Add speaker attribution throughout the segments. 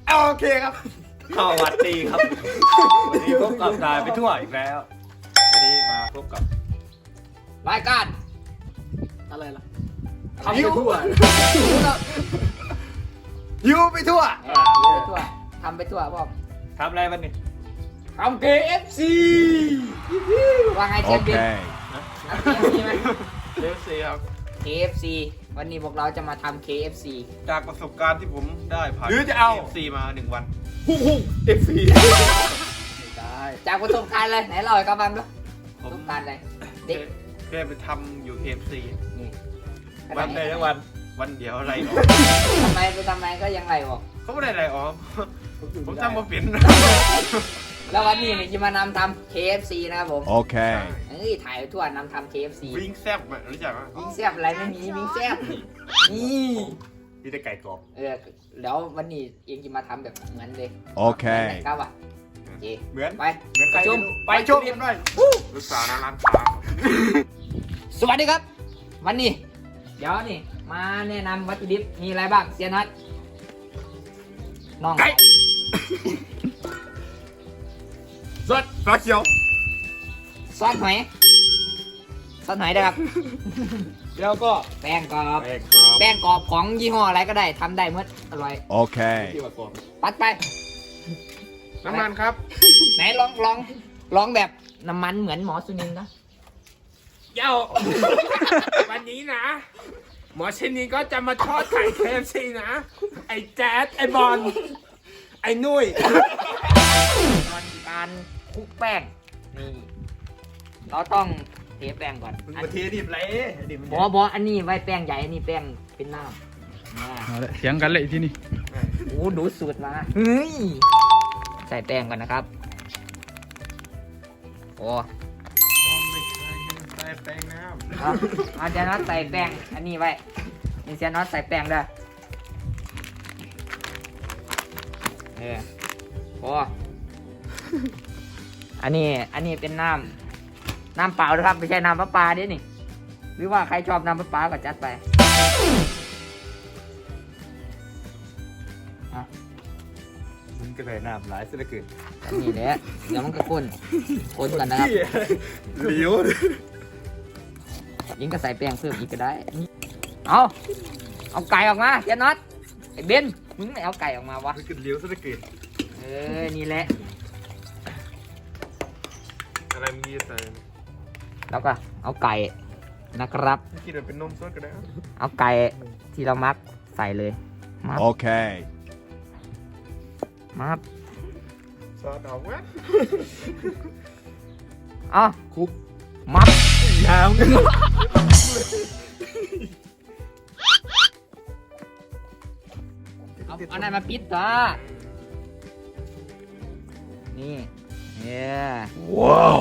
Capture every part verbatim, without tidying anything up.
Speaker 1: โอเคครับสวัสดีครับวันนี้พบกับนายไปทั่วอีกแล้ววันนี้มาพบกับ
Speaker 2: รายการ
Speaker 3: อะไรล่ะ
Speaker 2: ทำไปทั่ว
Speaker 1: ยูไปทั่ว
Speaker 2: ทำไปทั่วทำไปทั่วพ่อ
Speaker 1: ทำอะไรวันนี้
Speaker 2: ทำ เค เอฟ ซี ว่าไงเชฟบิ๊ก
Speaker 4: Okay.
Speaker 2: ไหม
Speaker 3: เอฟซีครับ
Speaker 2: เค เอฟ ซี วันนี้พวกเราจะมาทำ เค เอฟ ซี
Speaker 3: จากประสบการณ์ที่ผมได้ผ่าน
Speaker 1: หรือจะเอา
Speaker 3: เอฟซีมาหนึ่งวัน
Speaker 1: พุ่งพุ่งเอฟซี
Speaker 3: ได้
Speaker 2: จากประสบการณ์เลยไหนเล่าให้กับบังดูป
Speaker 3: ผ
Speaker 2: ระส
Speaker 3: ม
Speaker 2: บการณ์อะไรเด็ก
Speaker 3: เคยไปทำอยู่ เค เอฟ ซี
Speaker 2: นี่
Speaker 1: วันใดทั้งวัน
Speaker 3: วันเดียวอะไรออก
Speaker 2: ทำไมไปทำไมก็ยังไรออก
Speaker 3: เขาไม่ได้อะไรออกผมจำมาเปลี่ยน
Speaker 2: แล้ววันนี้เนี่ยจะมานำทำ เค เอฟ ซี นะครับผม
Speaker 4: Okay.
Speaker 2: เอ้ยถ่ายไปทั่วนำทำ เค เอฟ ซี
Speaker 3: วิ่งแซบอะรู้จักไหม
Speaker 2: วิ่งแซ่บอะไรไม่มีวิ่งแซ่บนี่
Speaker 1: นี่ได้ไก่กรอบ
Speaker 2: เออแล้ววันนี้เองจะมาทำแบบเหมือนเลย
Speaker 4: โอเค
Speaker 2: ครับอ่ะโอเค
Speaker 1: เหมือน
Speaker 2: ไป
Speaker 1: เหมือนใคร
Speaker 2: ชม
Speaker 1: ไปชมกันหน่อย
Speaker 3: ลูกสาวหน้าร้านค้า
Speaker 2: สวัสดีครับ วันนี้ เดี๋ยวนี่ มาแนะนำวัตถุดิบมีอะไรบ้างเซียนนัทน้อง
Speaker 1: ไก่สดฟ้าเขียว
Speaker 2: ซอสหอยซอสหอยนะครับ
Speaker 1: แล้วก็
Speaker 2: แป้งกรอบ
Speaker 1: แป้งกรอบ
Speaker 2: แป้งกรอบของยี่ห้ออะไรก็ได้ทำได้หมดอร่อย
Speaker 4: Okay.
Speaker 1: ที่ว่ากรอบ
Speaker 2: ปัดไป
Speaker 3: น้ำมันครับ
Speaker 2: ไหนลองลองลองแบบน้ำมันเหมือนหมอสุนินนะ
Speaker 5: เย้า วันนี้นะ หมอชินีก็จะมาทอดไข่ เค เอฟ ซี นะ ไอ้แจ๊ดไอ้บอลไอ้นุ้ย
Speaker 2: ตอนการคลุกแป้งนี่เราต้องเทแป้งก่อน
Speaker 1: มึงมาเทดิบไรดิบมัน
Speaker 2: บอบออันนี้ไว้แป้งใหญ่อันนี้แป้งเป็นน้ำอ่า
Speaker 5: เอาละเถียงกันเลยที่นี่
Speaker 2: โอ้ดูสูตรมาเฮ้ยใส่แป้งก่อนนะครับโอ้
Speaker 3: ไม่ใช่ใส่แป้งน้
Speaker 2: เอาเอาเจน็อตใส่แป้งอันนี้ไว้นี่เจน็อตใส่แป้งด้วยเออโอ้อันนี้อันนี้เป็นน้ำน้ำเปล่านะครับไม่ใช่น้ำประปาเด้นี่หรือว่าใครชอบน้ำประปาก็จัดไปอ่ะ
Speaker 1: มันก็เลยน้ำหลายเสียเหลือเกิน
Speaker 2: อันนี้แหละเดี๋ยวมันก็ข้นข้นกันนะครับ
Speaker 1: เหลียว
Speaker 2: ยิงก็ใส่แป้งเพิ่มอีกก็ได้เอาเอาไก่ออกมาเจน็อตไอ้เบนมึงไม่เอาไก่ออกมาวะ
Speaker 1: มันก็เหลียวเสียเหลือเกิน
Speaker 2: เออนี่แหละ
Speaker 3: ำอะไรมึงยี่ใส่
Speaker 2: แล้วก็เอาไก่นะครับ
Speaker 3: กินแบบเป็นนมสดก็ได้
Speaker 2: เอาไก่ที่เรามักใส่เลยมับ
Speaker 4: Okay.
Speaker 2: มับ
Speaker 3: ซอสดอกแวะ
Speaker 2: เอาคุกมับ
Speaker 1: ยาว
Speaker 2: เอาเอาไหนมาปิดต่อนี่เนี่ย
Speaker 4: Whoa.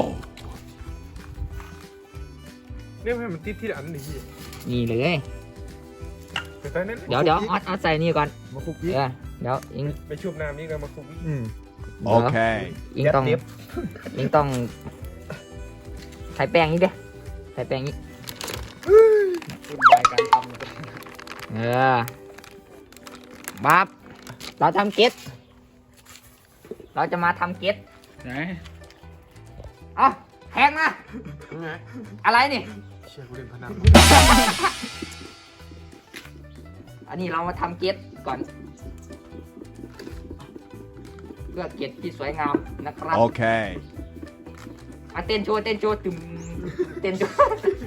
Speaker 3: เนี่ยให้มันติดที่อันนี้
Speaker 2: นี่เลย
Speaker 3: ไปใส่นั่น
Speaker 2: เดี๋ยวเดี๋ยวออดออดใส่นี่ก่อน
Speaker 1: มาคุก
Speaker 2: เอ
Speaker 1: กี้
Speaker 2: อเดี๋ยวอิง
Speaker 3: ไปชุบน้ำนี่กันมาคุก
Speaker 1: อืม
Speaker 2: เดี๋ยว
Speaker 4: Okay.
Speaker 2: อิงต้องอิงต้องใส่แป้งนี้เด้ใส่แป้งนี้
Speaker 1: วุ่นวายการทำนะครับ
Speaker 2: เออบับเราทำเก็ตเราจะมาทำเก็ต
Speaker 5: ไหน
Speaker 2: เอ้าแทงนะ
Speaker 3: ยังไง
Speaker 2: อะไรนี่
Speaker 3: เชี่ยกูเล่นพนัน
Speaker 2: อันนี้เรามาทำเก็ตก่อน เพื่อเก็ตที่สวยงามนะครับ
Speaker 4: Okay.
Speaker 2: มาเต้นโชว์เต้นโชว์ตึมเต้นโชว์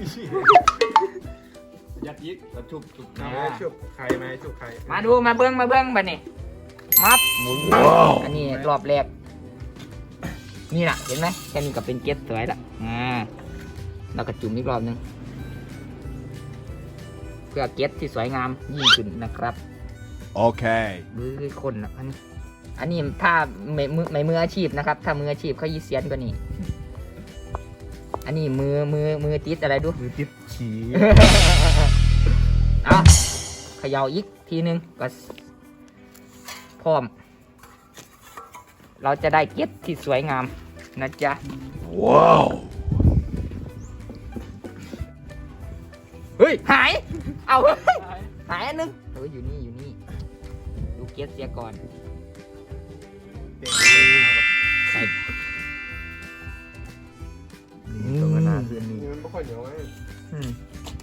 Speaker 1: ยัดยิกแล้วชุบชุบ
Speaker 3: เอาไหมชุบไข่ไหมชุบไข่
Speaker 2: มาดูมาเบิ้งมาเบิ้งบัดนี้มับหมุน
Speaker 4: ว้าว
Speaker 2: อันนี้รอบแรกนี่น่ะเห็นไหมแค่นี้ก็เป็นเก็ตสวยละอ่าแล้วก็จุ่มอีกรอบหนึงเพื่อเก็ตที่สวยงามยิ่งขึ้นนะครับ
Speaker 4: Okay.
Speaker 2: มือคนนะอันนี้อันนี้ถ้าไม่มือไม่มืออาชีพนะครับ ถ้ามืออาชีพเขายี่เซียนกว่านี้อันนี้มือมือมือติดอะไรดู
Speaker 1: มือติดฉี่
Speaker 2: เอาเขย่าอีกทีนึงก็พร้อม เราจะได้เก็ตที่สวยงามนะจ๊ะ
Speaker 4: Whoa.
Speaker 2: เฮ้ยหาย เอาเฮ้ยหายอันนึงเอออยู่นี่อยู่นี่ดูเก็ตเสียก่อน
Speaker 3: เปลี่ยน
Speaker 2: ใส่
Speaker 3: ตรงนั้นคืนนี้มันไม่ค่อยเหนียวไง
Speaker 2: อืม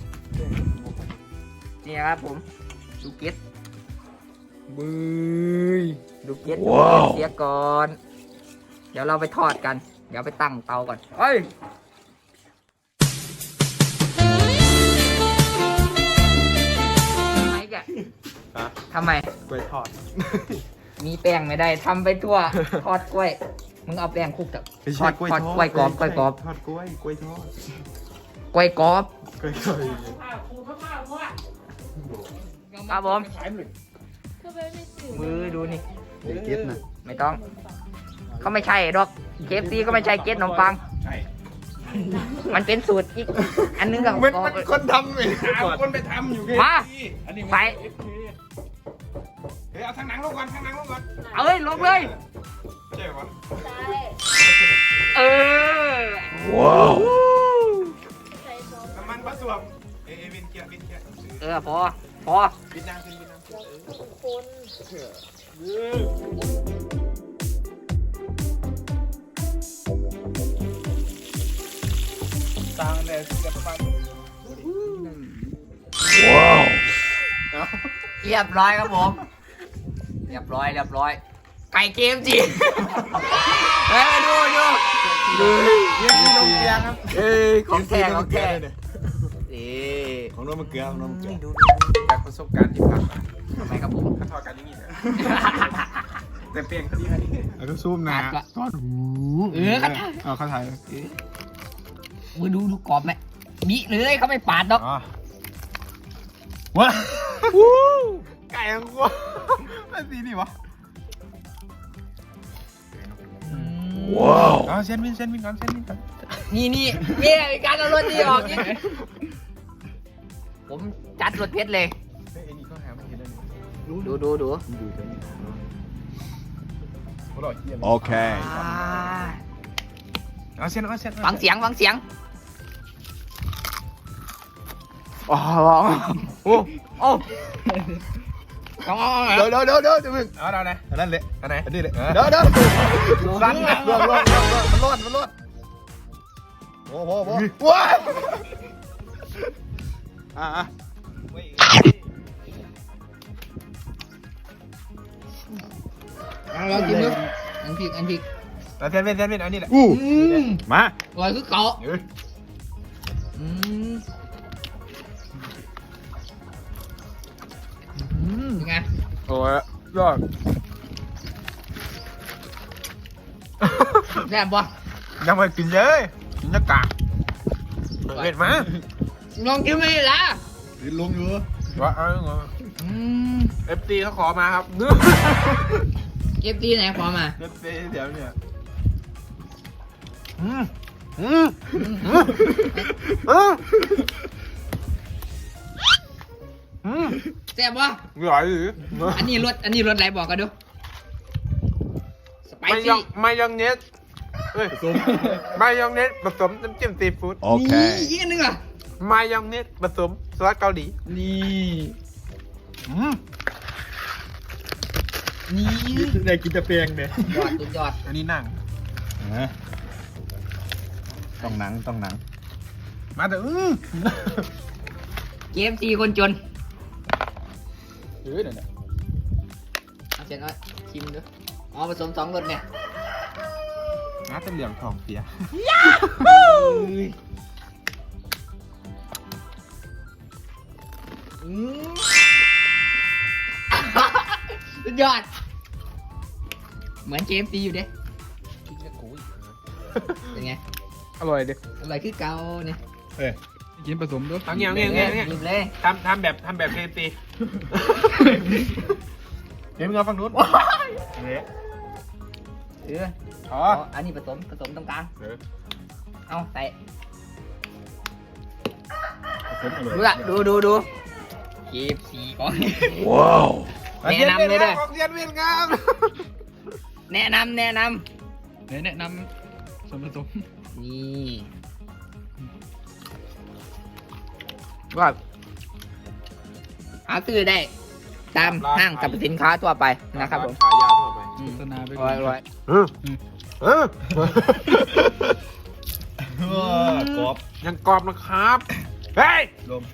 Speaker 2: นี่ครับผมดูเก็ต
Speaker 3: บึ้ย
Speaker 2: ดูเก็ต
Speaker 4: ว้าว
Speaker 2: เสียก่อน เดี๋ยวเราไปทอดกัน เดี๋ยวไปตั้งเตาก่อนเอ้ยทำไมแกทำไม
Speaker 3: กล้วยทอด
Speaker 2: มีแป้งไม่ได้ทำไปทั่ว ทอดกล้วย มึงเอาแป้งคลุกกับทอดทอดกล้วยกรอบกล้วยกรอบ
Speaker 3: ทอดกล้วยกล้วยทอด
Speaker 2: กล้วยกรอบ
Speaker 3: กล้วยกรอบ
Speaker 2: ครับผม มือดูนี่
Speaker 3: เก็ตนะ
Speaker 2: ไม่ต้อง เขาไม่ใช่ดอกเคฟซีก็ไม่ใช่เก็ตขนมปัง
Speaker 1: ใช่
Speaker 2: มันเป็นสูตรอีก อันนึงกับ
Speaker 3: มันมันคนทำเลยหาคนไปทำอยู่แค่
Speaker 2: มา
Speaker 3: นี้
Speaker 1: อันนี้
Speaker 2: ไป
Speaker 3: เฮ้ยเอาทางหนังลงก่อนทางหนังลงก่อน
Speaker 2: เอาเลยลงเลย
Speaker 3: ใช่ปะ
Speaker 2: เออ
Speaker 4: Wow.
Speaker 3: น้ำมันผสมเอเอวินเกียร์วินเกียร์
Speaker 2: เออพอ พอ
Speaker 3: วินนางขึ้นวินนางขึ้น
Speaker 1: สร้างเนี่ยเกือบประมาณ
Speaker 4: Wow.
Speaker 2: เรียบร้อยครับผม เรียบร้อยเรียบร้อย ไก่เกมจีเฮ้ยดูดูดู
Speaker 3: เยี่ยมที่ลงเกียร์ครับ
Speaker 2: เอ้ยของแท้ของแท้เอ๊
Speaker 3: ของน้องมันเกลือของน้องมันเกลือ
Speaker 2: ดู
Speaker 3: จากประสบการณ์ที่ผ่านมา
Speaker 2: ทำไมครับผม
Speaker 3: เขาทอดกันอย่างนี้นะแต่เปลี่ยนคดีคดีแล้วก็ซูมนะ
Speaker 2: ก็
Speaker 3: ทอดหู
Speaker 2: เออก็
Speaker 3: เอาเข้าไทย
Speaker 2: มือดูดูกรอบไหมบิเลยเขาไม่ปาดดอก
Speaker 3: อ๋อว้าไก่ของกูมันสีนี่วะ
Speaker 4: Wow.
Speaker 3: เอาเส้นวินเส้นวินก่อนเส้นวินก่อน
Speaker 2: นี่นี่เนี่ยมีการเอารถดีออกนี่ผมจัดรถเพชรเลย
Speaker 3: เฮ้ยไอ้นี่เขาหาไม่เห็นเลย
Speaker 2: ดูดูดู
Speaker 3: ดูเดี๋ยวนี้อร่อยเยี่ยม
Speaker 4: Okay.
Speaker 2: อ่า
Speaker 3: เอาเส้นเอาเส้น
Speaker 2: ฟังเสียงฟังเสียง
Speaker 3: อ๋อโอ้โอ้เดี๋ยวเดี๋ยวเดี๋ยวเดี๋ยวจะมึงเอาเอาไหนอันนั้นเลยอันไหนอันนี้เลยเดี๋ยวเดี๋ยวรันนะรวดรวดรวดมันรวดมันรวดโอ้โหโอ้โหว้าอ่ะอ่ะ
Speaker 2: ลองกินดูอันพริกอันพริก
Speaker 3: แล้วเส้นเว้นเส้นเว้นอันนี้แหละ
Speaker 4: Ooh.
Speaker 3: มา
Speaker 2: อร่อยคือเก่า
Speaker 3: เดี๋ยว
Speaker 2: อืมอืมเป็นไง
Speaker 3: โอ้ยยอด
Speaker 2: แซ่บปะ
Speaker 3: ยังไม่กินเลยกินจะกะเห็นไหม
Speaker 2: ลองกินไม่ได้ละ
Speaker 3: ลงอยู่ว่าเอาเหรอ
Speaker 2: อืม
Speaker 3: เอฟซีเขาขอมาครับ
Speaker 2: เอฟซีไหนขอมา
Speaker 3: เอฟซีเดี๋ยวเนี่ยอืมอืมอืมอืมอืม
Speaker 2: แซ่บปะ
Speaker 3: อร่อยหรือ
Speaker 2: อันนี้รสอันนี้รสอะไรบอกกันดูสไป
Speaker 3: ไม่ยอ
Speaker 2: ซี่
Speaker 3: งไม่ยองเนสเอ้ยไม่ยองเนสผสมน้ำจิ้มซีฟู้ด
Speaker 2: นี่
Speaker 4: Okay.
Speaker 2: อีกอันหนึงอ่ะ
Speaker 3: มายองเนสผสมซอสเกาหลี
Speaker 2: นี่
Speaker 3: อืม
Speaker 2: นี่
Speaker 3: ได้กินจะเปียงเนี่ย
Speaker 2: ยอดสุดยอด
Speaker 3: อันนี้หนัง
Speaker 4: ต้องหนังต้องหนัง
Speaker 3: มาเถอะอืม
Speaker 2: เกมซีคนจน
Speaker 3: เออเนี่ย
Speaker 2: เอาเสร็จแล้วชิมดูอ๋อผสมสองรสเนี่ย
Speaker 3: น่าจะเหลืองทองเสีย
Speaker 2: อืมสุดยอด เหมือนเกมซีอยู่เด้เป็นไง
Speaker 3: อร่อยดิ
Speaker 2: อะไรคือเกาเนี่ย
Speaker 3: เอ้ยกินผสมด้วยเอาเงี้ยเงี้ยเงี้ยเงี้ย
Speaker 2: หยิบเลย
Speaker 3: ทำทำแบบทำแบบเคตีเดี๋ยวมึงเอาฝั่งนู้นเนี่ย
Speaker 2: เออ
Speaker 3: อ๋อ
Speaker 2: อ๋ออันนี้ผสมผสมตรงกลาง
Speaker 3: เออ
Speaker 2: เอาใส่
Speaker 3: ผสมอร่อย
Speaker 2: ดูละดูดูดูเกมซีก่อน
Speaker 4: Wow.
Speaker 2: แนะนำเลยเด้อ
Speaker 3: ของเรียนเวียนงาม
Speaker 2: แนะนำแนะน
Speaker 3: แนะนำส่วนผสม
Speaker 2: ำนี่
Speaker 3: ว่า
Speaker 2: หาซื้อได้ ตามห้างสรรพสินค้าทั่วไปนะครับผม
Speaker 3: ขายยาวทั่วไป
Speaker 6: โฆษณาไป
Speaker 2: อร่อยอร่อย
Speaker 3: เออเออเออกรอบ
Speaker 5: ยังกรอบนะครับ เฮ้ย
Speaker 3: ลม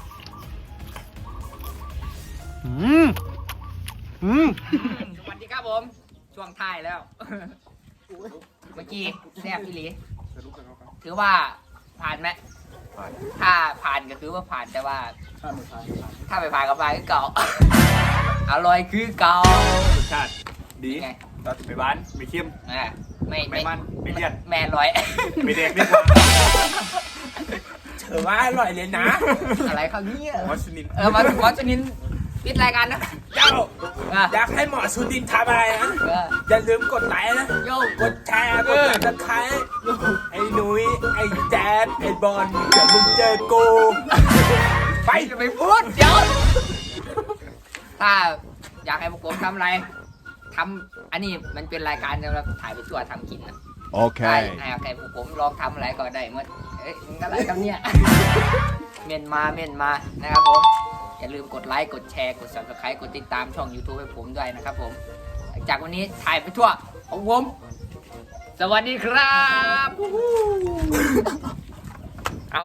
Speaker 3: อืมอืม
Speaker 2: สวัสดีครับผม ช่วงท้ายแล้ว เมื่อกี้แซ่บพี่หลีถือว่าผ่านไหมถ้าผ่านก็คือว่าผ่านแต่ว่า ถ้าไม่ผ่านก็ผ่านคือเก่า อร่อยคือเก่าร
Speaker 1: สชาติดี
Speaker 2: ไง
Speaker 1: ไม่หวานไม่เค็ม
Speaker 2: อ่ะไม่
Speaker 1: ไม่มันไม่เลี่ยน
Speaker 2: แม่อร่อย
Speaker 1: ไม่แดกไม่กว่า
Speaker 5: ถือว่าอร่อยเลยนะ
Speaker 2: อะไรครับเนี่ย
Speaker 1: วัสนิน
Speaker 2: เออมาถึงวัชนินปิดรายการนะ
Speaker 5: เจ้า
Speaker 2: อ่ะ
Speaker 5: อยากให้หมอสุดินทำอะไรนะ
Speaker 2: เออ
Speaker 5: อย่าลืมกดไลค์นะ
Speaker 2: โย
Speaker 5: กดแชร์กดติดตามไอ้หนุ่ยไอ้แจ๊ดไอ้บอลเดี๋ยวมึงเจอกู
Speaker 2: ไปจะไปพูดเดี๋ยว ถ้าอยากให้พวกผมทำอะไรทำอันนี้มันเป็นรายการสำหรับถ่ายไปทั่วทำกินนะ
Speaker 4: โอเค
Speaker 2: ได้ให้ใครพวกผมลองทำอะไรก็ได้เมื่อเอ้ยมึงอะไรกันเนี่ย เมนมาเมนมานะครับผม อย่าลืมกดไลค์กดแชร์กด ซับสไครบ์ กดติดตามช่อง YouTube ให้ผมด้วยนะครับผม จากวันนี้ถ่ายไปทั่วของผม สวัสดีครับ